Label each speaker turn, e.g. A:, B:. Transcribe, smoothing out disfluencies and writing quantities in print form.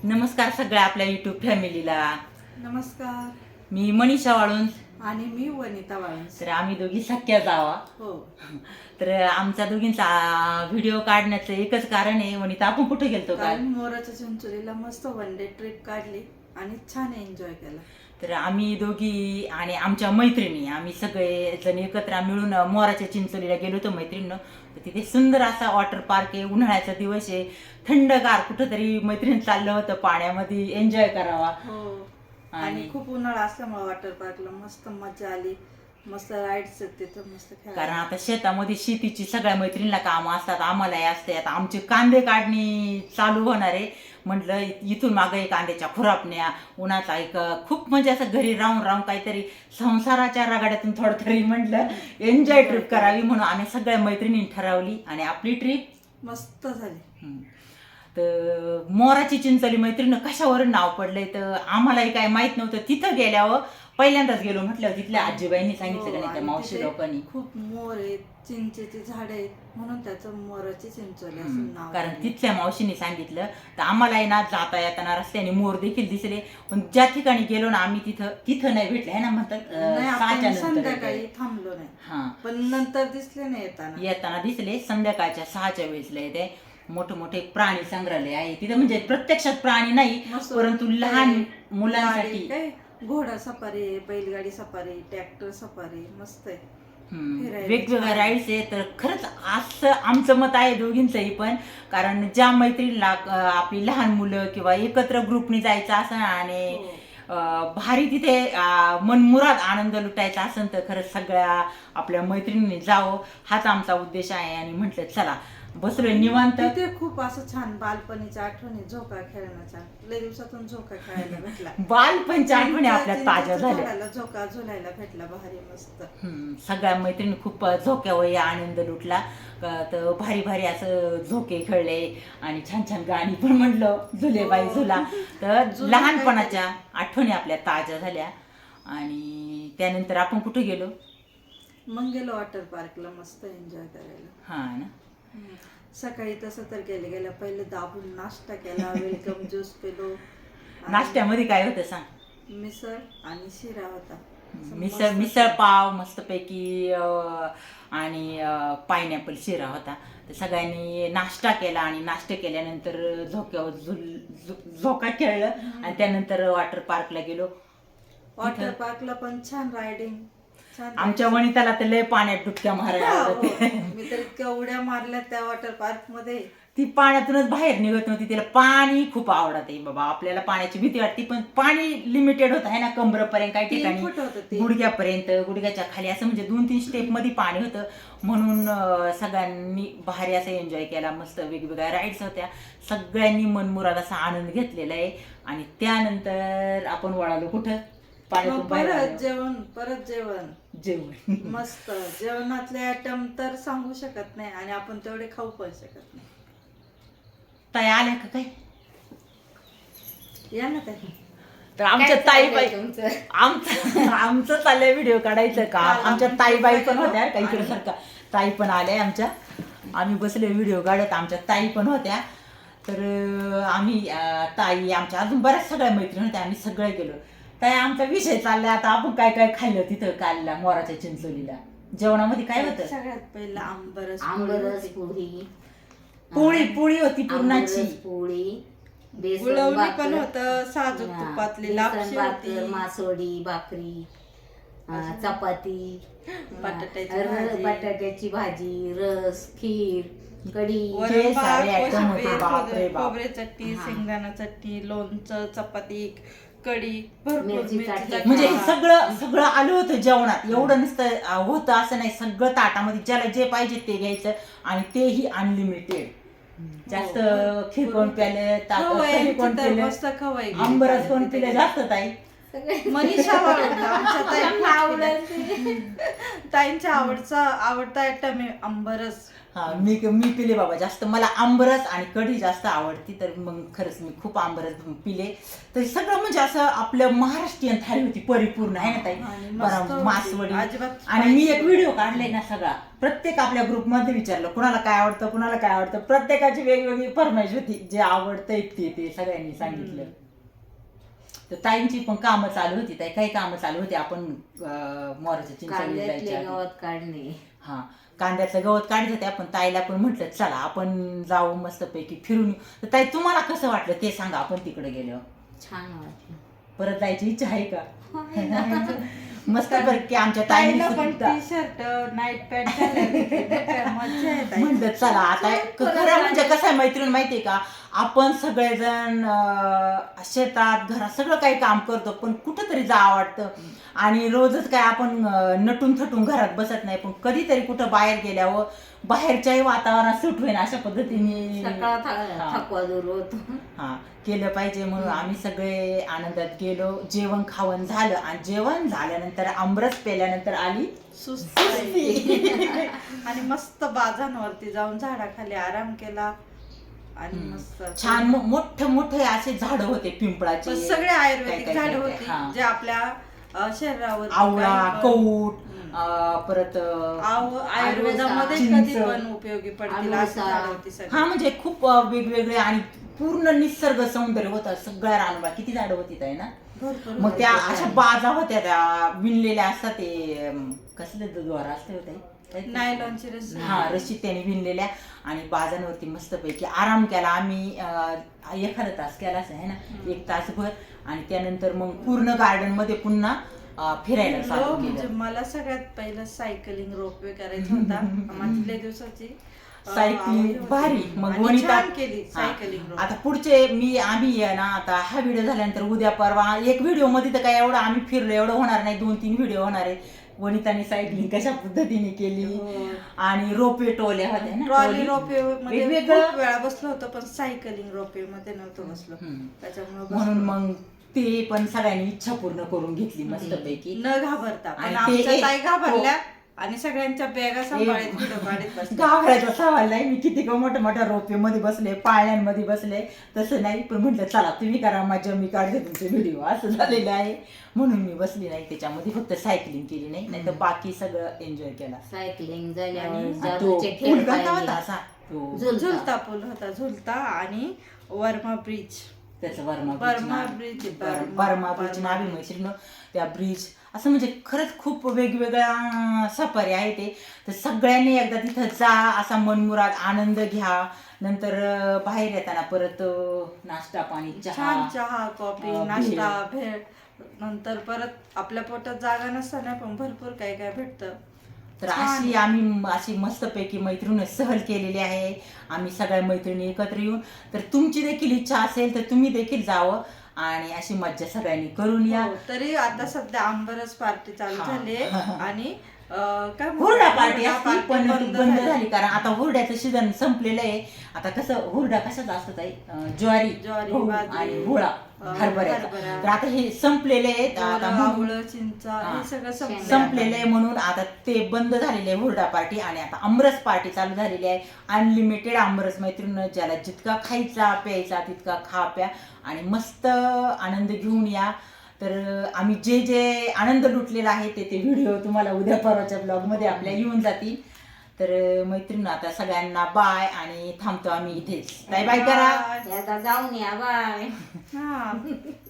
A: नमस्कार सगळ्या आपल्या यूट्यूब फॅमिलीला.
B: नमस्कार.
A: मी मनीषा वाळून
B: आणि मी वनिता वाळूंज.
A: तर आम्ही दोघी सख्या जावा.
B: हो.
A: तर आमचा दोघींचा व्हिडिओ काढण्याचं एकच कारण आहे, वनिता आपण कुठे गेलतो काल?
B: मोराच्या चिंचोलीला मस्त वन डे ट्रिप काढली आणि छान एन्जॉय केला.
A: तर आम्ही दोघी आणि आमच्या मैत्रिणी आम्ही सगळे जण एकत्र मिळून मोराच्या चिंचोलीला गेलो होतो मैत्रिणीनं. तर तिथे सुंदर असा वॉटर पार्क आहे, उन्हाळ्याचा दिवस आहे, थंडगार कुठंतरी मैत्रीण चाललं होतं पाण्यामध्ये एन्जॉय करावा.
B: हो. आणि खूप उन्हाळा असल्यामुळे वॉटर पार्कला मस्त मजा आली. मस्त राईड्स तिथं मस्त खेळायला.
A: कारण आता शेतामध्ये शेतीची सगळ्या मैत्रिणीला कामं असतात, आम्हालाही असते. आता आमचे कांदे काढणी चालू होणार आहे. म्हटलं इथून मागं एक कांद्याच्या खुरापण्या, उन्हाचा एक खूप म्हणजे असं घरी राहून राहून काहीतरी संसाराच्या रगाड्यातून थोडं तरी म्हटलं एन्जॉय ट्रिप करावी, म्हणून आम्ही सगळ्या मैत्रिणींनी ठरवली आणि आपली ट्रिप
B: मस्त झाली.
A: तर मोराची चिंचोली मैत्रिणी कशावरून नाव पडलंय तर आम्हालाही काय माहित नव्हतं. तिथं गेल्यावर पहिल्यांदाच गेलो म्हटलं तिथल्या आजीबाईंनी सांगितलं का नाही त्या मावशी लोकांनी
B: खूप मोर आहेत, चिंचेची झाड आहेत, म्हणून त्याचं मोराची चिंचोली असं नाव.
A: कारण तिथल्या मावशीने सांगितलं. तर आम्हालाही ना जाता येताना रस्त्याने मोर देखील दिसले, पण ज्या ठिकाणी गेलो ना आम्ही तिथं नाही भेटले आहे ना, म्हणतात
B: संध्याकाळी थांबलो नाही.
A: हा,
B: पण नंतर दिसले नाही
A: येताना दिसले. संध्याकाळच्या 6च्या वेळेसला येते. मोठे मोठे प्राणी संग्रहालय आहे तिथे, म्हणजे प्रत्यक्षात प्राणी नाही परंतु लहान मुलांसाठी
B: घोडा सफारी, बैलगाडी सफारी, ट्रॅक्टर सफारी मस्त आहे.
A: वेगवेगळ्या राईड्स आहे. तर खरंच असं आमचं मत आहे दोघींचंही पण, कारण ज्या मैत्रिणीला आपली लहान मुलं किंवा एकत्र ग्रुपनी जायचं असं आणि भारी तिथे मनमुराद आनंद लुटायचा असेल तर खरंच सगळ्या आपल्या मैत्रिणींनी जावं हाच आमचा उद्देश आहे. आणि म्हटलं चला बसलोय निवांत.
B: तिथे खूप असं छान बालपणीच्या आठवणी, झोका खेळण्याचा, लय दिवसातून झोका खेळायला भेटला.
A: बालपणीच्या आठवणी आपल्या ताज्या झाल्या.
B: झोका झुलायला भेटला, भारी मस्त.
A: सगळ्या मैत्रिणी खूप झोक्यावर आनंद लुटला. तर भारी भारी असं झोके खेळले आणि छान छान गाणी पण म्हणलं, झुले बाई झुला. तर लहानपणाच्या आठवणी आपल्या ताज्या झाल्या. आणि त्यानंतर आपण कुठे गेलो?
B: मग गेलो वॉटर पार्कला मस्त एन्जॉय करायला.
A: हा ना.
B: सकाळी तसं तर गेल्या पहिले दाबून नाश्ता केला, वेलकम ज्यूस पिलो.
A: नाश्त्यामध्ये काय होतं सांग?
B: मिसळ आणि शिरा होता.
A: मिसळ पाव मस्तपैकी आणि पायनॅपल शिरा होता. तर सगळ्यांनी नाश्ता केला आणि नाश्ता केल्यानंतर झोक्यावर झोका खेळलं आणि त्यानंतर वॉटर पार्कला गेलो.
B: वॉटर पार्कला पण छान रायडिंग.
A: आमच्या वनिताला तर लय पाण्यात डुबक्या मारायला.
B: मी तर इतक्या उड्या मारल्या त्या वॉटर पार्क मध्ये.
A: ती पाण्यातूनच बाहेर निघत नव्हती. तिला पाणी खूप आवडत आहे बाबा. आपल्याला पाण्याची भीती वाटते पण पाणी लिमिटेड होत आहे ना, कमरेपर्यंत, काही ठिकाणी गुडघ्यापर्यंत, गुडघ्याच्या खाली असं म्हणजे 2-3 स्टेप मध्ये पाणी होतं. म्हणून सगळ्यांनी बाहेर असं एन्जॉय केला. मस्त वेगवेगळ्या राईड्स होत्या. सगळ्यांनी मनमुराद असा आनंद घेतलेला आहे. आणि त्यानंतर आपण वळालो कुठं?
B: परत जेवण मस्त. जेवणातले आयटम तर सांगू शकत नाही आणि आपण तेवढे खाऊ पण शकत नाही.
A: ताई आल्या का काय?
B: या ना ताई.
A: तर आमच्या ताईबाई आमचं चाललंय व्हिडिओ काढायचं का. आमच्या ताईबाई पण होत्या काहीतरी सारखा. ताई पण आल्या आमच्या. आम्ही बसले व्हिडिओ काढत, आमच्या ताई पण होत्या. तर आम्ही ताई आमच्या अजून बऱ्याच सगळ्या मैत्रिणी होत्या. आम्ही सगळे गेलो. ताई आमचा विषय चाललाय आता आपण काय काय खाल्लं तिथं कालला मोराच्या चिंचोलीला. जेवणामध्ये काय होतं?
B: सगळ्यात पहिला आंबरस
A: पोळी होती पुरणाची.
C: पोळी,
B: गुळवणी पण होतं, साजूक तुपातली लापशी होती,
C: मासवडी, भाकरी, चपाती, बटाट्याची भाजी, रस, खीर, कढी,
B: खोबरे चटणी, शेंगदाणा चटणी, लोणचं, चपाती, कढी,
A: म्हणजे सगळं आलं होतं जेवणात. एवढं नुसतं होतं असं नाही, सगळं ताटामध्ये ज्याला जे पाहिजे ते घ्यायचं आणि तेही अनलिमिटेड. जास्त खीर कोण प्याले, कोण पिले, आंबरस कोण पिले जास्त. ताई
B: मनीषा ताईंच्या आवडता आयटम आहे आंबरस.
A: हा मी पिले बाबा जास्त. मला आंबरस आणि कढी जास्त आवडती, तर मग खरंच मी खूप आंबरस पिले. तर सगळं म्हणजे असं आपलं महाराष्ट्रीयन थाळी होती परिपूर्ण आहे ना ताई.
B: आणि मस्त
A: बरं
B: होती.
A: मासवडी.
B: अजिबात
A: आणि मी एक
B: spicy
A: व्हिडिओ काढलाय ना सगळा, प्रत्येक आपल्या ग्रुपमध्ये विचारलं कुणाला काय आवडतं कुणाला काय आवडतं, प्रत्येकाची वेगवेगळी फरमाईश होती. जे आवडतं ते सगळ्यांनी सांगितलं. तर ताईंची पण कामं चालू होती. ताई काही कामं चालू होती. आपण मोराच्या चिंचवली
C: कांद्यातले
A: जायच्या आधी.
C: गवत काढणे.
A: हा कांद्याचं गवत काढत होते आपण. ताईला पण म्हटलं चला आपण जाऊ मस्तपैकी फिरून येऊ. तर ताई तुम्हाला कसं वाटलं ते सांगा, आपण तिकडे गेलो
C: छान वाटलं.
A: परत जायची इच्छा आहे का? मस्त पैकी आमच्या
B: ताईला
A: ताईला
B: पण
A: पण
B: टी शर्ट नाईट पॅन्ट मजा येत आहे.
A: म्हणलं चला आता खरं म्हणजे कसं आहे मैत्रीण माहितीये का, आपण सगळेजण शेतात घरात सगळं काही काम करतो, पण कुठंतरी जावं वाटतं. आणि रोजच काय आपण नटून थटून घरात बसत नाही, पण कधीतरी कुठं बाहेर गेल्यावर बाहेरच्याही वातावरणात सूट होईन अशा पद्धतीने
C: सकाळ
A: हा.
C: थकवा दूर होतो.
A: हा केलं पाहिजे. म्हणून आम्ही सगळे आनंदात गेलो. जेवण खावण झालं आणि जेवण झाल्यानंतर आमरस पेल्यानंतर आली
B: सुस्ती. आणि मस्त बाजांवरती जाऊन झाडाखाली आराम केला आणि मस्त
A: छान मोठे मोठे असे झाड होते पिंपळाचे.
B: पण सगळे आयुर्वेदिक
A: काय-
B: झाड
A: काय-
B: होती
A: हा.
B: जे आपल्या शरीरावर
A: आवळा कौट परत
B: आयुर्वेदामध्ये
A: चिंच.
B: कधी पण उपयोगी पडतील अशी
C: आळूचा.
B: झाडं होती सगळी.
A: हा म्हणजे खूप वेगवेगळे आणि पूर्ण निसर्ग सौंदर्य होतं सगळ्या रानबा. किती झाडं होती ताई ना.
B: भरपूर
A: मग त्या अशा बाजा होत्या त्या विणलेल्या असतात. ते कसले द्वारा असते होते
B: नायलॉनची रस्सी.
A: हा रशी त्याने विणलेल्या. आणि बाजांवरती मस्तपैकी आराम केला आम्ही. एखादा तास केलाच आहे ना, 1 तासभर. आणि त्यानंतर मग पूर्ण गार्डन मध्ये पुन्हा फिरायला चालू
B: म्हणजे
A: केलं.
B: मला सगळ्यात पहिलं सायकलिंग रोपवे करायचा होता. माझी दिवसाची
A: सायकलिंग भारी. मग वनिता
B: छान केली
A: हा.
B: Cycling rope.
A: आता पुढचे आम्ही आहे ना, आता हा व्हिडिओ झाल्यानंतर उद्या परवा एक व्हिडिओ मध्ये तर काय एवढं आम्ही फिरलो एवढं होणार नाही, 2-3 व्हिडिओ होणार आहे. वनिताने सायकलिंग कशा पद्धतीने केली
B: हो.
A: आणि रोपवे टोल्या होत्या ना,
B: ट्रॉली
A: ट्रॉली.
B: रोपवे मध्ये
A: वेगवेगळं.
B: खूप वेळा बसलो होतो, पण सायकलिंग रोपवे मध्ये नव्हतो बसलो. त्याच्यामुळे
A: म्हणून मग ते पण सगळ्यांनी इच्छा पूर्ण करून घेतली मस्तपैकी.
B: न घाबरता. पण
A: आणि
B: आमच्या
A: ते-
B: ताई घाबरल्या आणि सगळ्यांच्या बॅगा सांभाळत व्हिडिओ काढत बसल्या.
A: घाबरायचा सवाल नाही. मी किती मोठ्या मोठ्या रोपे मध्ये बसले, पाळण्यांमध्ये बसले, तसं नाही. पण म्हटलं चला तुम्ही करा मजा, मी काढते तुमचे व्हिडिओ, असं झालेलं आहे. म्हणून मी बसली नाही त्याच्यामध्ये, फक्त सायकलिंग केली नाही तर बाकी सगळं एन्जॉय केला.
C: सायकलिंग झाल्यावर
A: आणि तो
C: जादूचे
A: पूल
C: खेळ
A: कसा होता
C: पाहिले.
A: असा तो
B: झुलता पूल होता, झुलता आणि वर्मा ब्रिज.
A: त्याचं
B: बर्मा ब्रिज.
A: बर्मा ब्रिज नावी मैत्रीण त्या ब्रिज. असं म्हणजे खरंच खूप वेगवेगळ्या सफारी आहे ते. तर सगळ्यांनी एकदा तिथं जा, असा मनमुराद आनंद घ्या. नंतर बाहेर येताना परत नाश्ता पाणी
B: छान चहा कॉफी
A: भेळ.
B: नाश्ता भेळ. नंतर परत आपल्या पोटात जागा नसताना पण भरपूर काय काय भेटतं.
A: तर आम्ही अशी मस्तपैकी मैत्रीण सहल केलेली आहे आम्ही सगळ्या मैत्रिणी एकत्र येऊन. तर तुमची देखील इच्छा असेल तर तुम्ही देखील जावं आणि अशी मज्जा सगळ्यांनी करून या.
B: हो, तरी आता सध्या आंबरस पार्टी चालू
A: हा.
B: झाली आणि काय म्हणतात?
A: हुरडा पार्टी असती
B: पार्टी
A: पण ती बंद
B: झाली.
A: झाली, कारण आता हुरड्याचं सीझन संपलेलं आहे. आता कसं हुरडा कशाचा असतो ताई, ज्वारी गहू
B: बाजरी,
A: आणि हुळा हरभऱ्याचा.
B: हरभरा.
A: तर आता हे संपलेले आहेत. आता म्हणून
B: आवळं चिंचा हे सगळं
A: संपलेलं आहे म्हणून आता ते बंद झालेले आहे हुरडा पार्टी. आणि आता आमरस पार्टी चालू झालेली आहे. अनलिमिटेड आमरस मैत्रीण, ज्याला जितका खायचा प्यायचा तितका खा प्या आणि मस्त आनंद घेऊन या. तर आम्ही जे जे आनंद लुटलेला आहे ते व्हिडिओ तुम्हाला उद्या परवाच्या ब्लॉगमध्ये आपल्या येऊन जातील. तर मैत्रीण आता सगळ्यांना बाय आणि थांबतो आम्ही इथेच. बाय बाय करा.
C: आता जाऊन या बाय.
B: हा